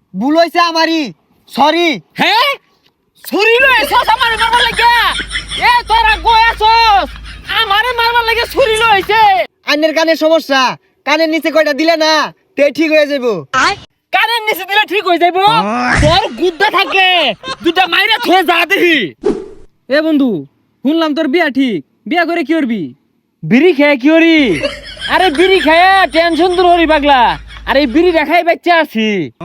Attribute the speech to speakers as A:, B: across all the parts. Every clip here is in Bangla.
A: ভুল হইছে আমারই, সরি।
B: হ্যাঁ ছুরি লইছস আমারে মারবার লাগা? এ তোরা গোয়াছস আমারে মারবার লাগা ছুরি লইছে।
A: আইনের কানের সমস্যা, কানের নিচে কয়টা দিলে না তে ঠিক হয়ে যাবো।
B: কানের নিচে দিলে ঠিক হয়ে যাইবো? তোর গুদ্দা থাকে দুটা মাইরা থয়ে যা দেখি।
C: এ বন্ধু, শুনলাম তোর বিয়া ঠিক, বিয়া করে কি করবি?
B: বিড়ি খেয়ে কি হরি? আরে বিড়ি খেয়ে টেনশন দূর হরি পাগলা। আরে বিড়ি দেখাই বাচ্চা আছি।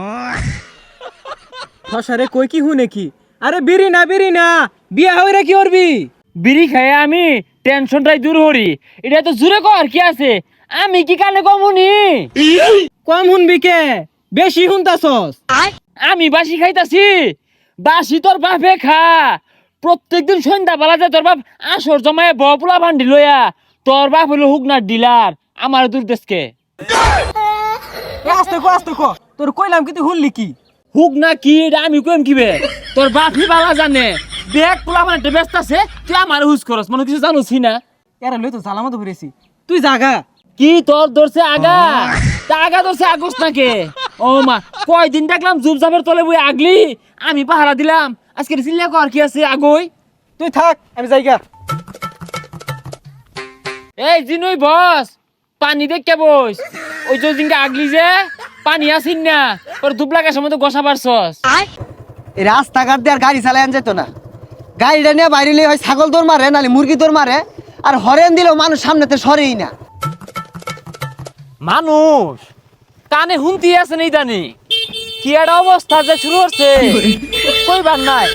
C: ফসারে কই কি হুনে কি? আরে বিড়ি না, বিয়া হইরা কি করবি?
B: বিড়ি খেয়ে আমি টেনশনটাই দূর হরি। এটা তো জুড়ে কর কি আছে? আমি কি কানে কমুনি?
C: কম শুনবি কে? বেশি শুনতাছস।
B: আমি বাসি খাইতাছি? বাসি তোর বাপে খা। প্রত্যেকদিন সন্ধ্যা বেলা যায় তোর বাপ আসর জমায় বপুলা ভান্ডি লইয়া। তোর বাপ হলো হুকনার ডিলার, আমার দূর দেশকে।
C: আস্তে কো, তোর কইলাম কি তুই শুনলি কি?
B: হুক না কি এটা আমি কইম কিবে? তোর বাপই বালা জানে। দেখ পোলা মানে একটা ব্যস্ত আছে, তুই আমার হুজ করস, মনে কিছু জানোসি না?
C: এরা লই তো সালামত ভরেছি, তুই জাগা।
B: কি তোর ধরছে আগা? তা আগা ধরছে আগস নাকে? ও মা, কয়দিন দেখলাম জুবজাবের তলে বই আগলি, আমি পাহারা দিলাম। আজকে চিল্লা কর কি আছে আগই?
C: তুই থাক, আমি যাইগা।
B: এই জিনুই বস, পানি দেখতে বস। ওই যে দিনকে আগলি যে পানি আসিন না, তোর দুবলাকের সময় তো গোসা পারছস।
A: এই রাস্তাঘাট দিয়ে আর গাড়ি চালাই আন যেত না। গাড়িটা নিয়ে বাইরে হয় ছাগল দৌড় মারে, নাহলে মুরগি দৌড় মারে। আর হরেন দিলেও মানুষ সামনেতে সরেই না।
B: মানুষ কানে হুমতি আছে নেই জানি কি একটা অবস্থা যে শুরু হচ্ছে, কইবার নাই।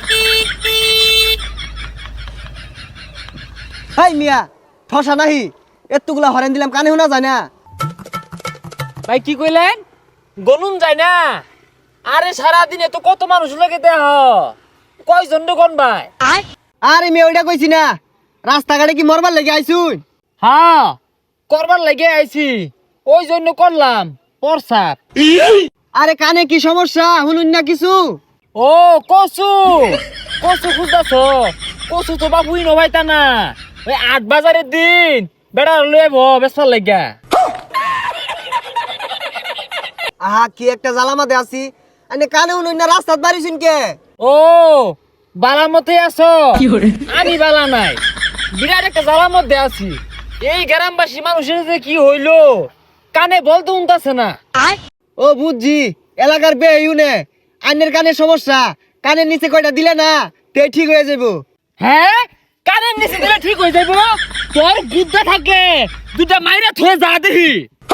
A: হাই মিয়া, ঠসা নাহি, এতগুলা হরেন দিলাম কানে শোনা যায় না।
B: ভাই কি কইলেন? গলুন যায় না? আরে সারাদিনে তো কত মানুষ লাগে দেহ, কয়জন কোন ভাই?
A: আরে মেয়ে ওইটা কইছি না, রাস্তাঘাটে কি মরবার লেগে আইসুন?
B: হ্যাঁ করবার লাগে আইছি, ওই জন্য করলাম প্রসাব।
A: আরে কানে কি সমস্যা শুনুন না কিছু?
B: ও কচু, কচু খুঁজতেছ? কচু তো বাবুই নভাইতা না। ওই ৮ বাজারের দিন বেড়া লয়ে বেসার লাগা।
A: আহা কি একটা জ্বালামাতে আছি, আনে কানে শুনুন না, রাস্তাত বাড়িছুন কে?
B: ও বালার মধ্যে আছো? আমি বালা নাই, বিরাট একটা জ্বালার মধ্যে আছি। এই গ্রামবাসী মানুষের যে কি হইলো, কানে বলতে উনতাছে না।
A: ও বুঝছি, এলাকার বে ইউনে আইনের কানের সমস্যা, কানের নিচে কয়টা দিলে না তে ঠিক হয়ে যাবো।
B: হ্যাঁ কানের নিচে দিলে ঠিক হয়ে যাইব? তোর গুদ্দা থাকে দুটা মাইরা থয়ে যা দেখি।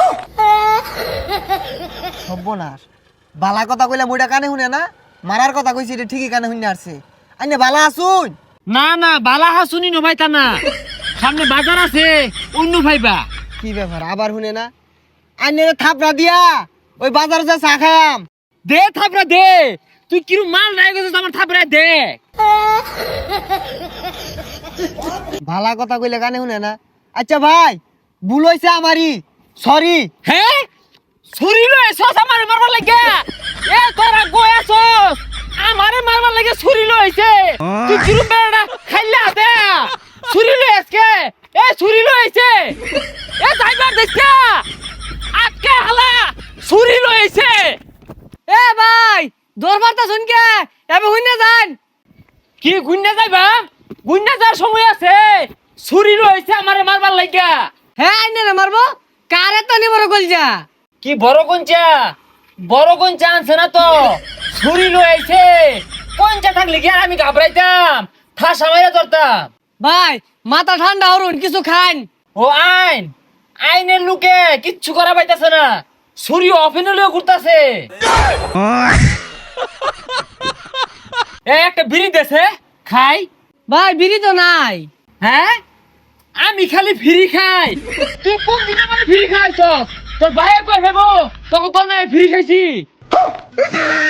A: সর্বনাশ, বালা কথা কইলে মুইটা কানে শুনে না, মারার কথা কইছি এটা ঠিকই কানে শুনে আসছে। আইনে বালা আসুন?
B: না না বালা হাসুনি নভাইতা না, সামনে বাজার আছে অন্য ভাইবা।
A: কি ব্যাপার আবার শুনে না? আইনে থাপড়া দিয়া ওই বাজারে যা চা খায়াম।
B: দে থাপড়া দে, তুই কিরু মাল নাই গেছিস আমার থাপড়া দে।
A: ভালা কথা কইলে কানে শুনে না। আচ্ছা ভাই, ভুল হইছে আমারই, সরি।
B: হ্যাঁ ছুরি লইছস আমারে মারবার লাগা? এ তোরা গোয়াছস আমারে মারবার লাগা ছুরি লইছে? তুই কিরু বেড়া খাইলা দে ছুরি লইছকে? এ ছুরি লইছে, এ যাইবার দেখছা আজকে হালা ছুরি লইছে।
C: এ ভাই, দরবার তা শুন কে? এবে হইনা যান।
B: কি গুন্না যাইবা? গুন্না যাওয়ার সময় আছে, ছুরি লইছে আমারে মারবার লাগা।
C: হ্যাঁ আইনে না মারবো, কারে তো নি বড় কলজা।
B: কি বড় গঞ্চা? বড় গঞ্চা আনছে না তো, ছুরি লইছে। গঞ্চা থাকলে কি আর আমি ঘাবড়াইতাম, ঠাসা মাইরা ধরতাম।
C: ভাই মাথা ঠান্ডা হরুন, কিছু খান।
B: ও আইন, আইনের লোকে কিচ্ছু করা পাইতাছে না, ছুরি অফিনে লইয়া ঘুরতাছে। একটা বিড়ি দেছে খাই।
C: ভাই বিড়ি তো নাই।
B: হ্যাঁ আমি খালি ফ্রি খাই, তুই কোন দিন আমার ফ্রি খাইছ? তোর ভাই কই হেবো তোকে কোন ফ্রি খাইছি?